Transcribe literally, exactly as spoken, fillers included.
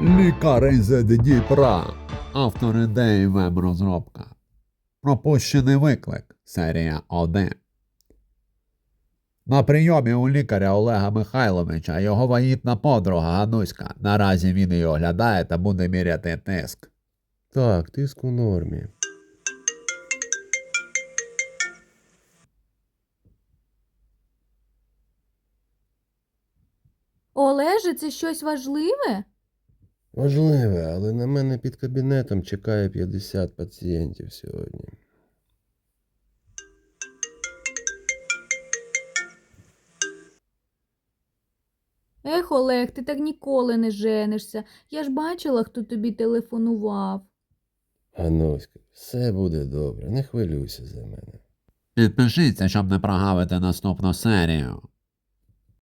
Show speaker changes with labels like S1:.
S1: Лікарень з Дніпра. Автор ідеї веб-розробка. Пропущений виклик. Серія один. На прийомі у лікаря Олега Михайловича його вагітна подруга Гануська. Наразі він її оглядає та буде міряти тиск.
S2: Так, тиск у нормі.
S3: Олеже, це щось важливе?
S2: Важливе, але на мене під кабінетом чекає п'ятдесят пацієнтів сьогодні.
S3: Ех, Олег, ти так ніколи не женишся. Я ж бачила, хто тобі телефонував.
S2: Гануська, все буде добре, не хвилюйся за мене.
S1: Підпишіться, щоб не прогавити наступну серію.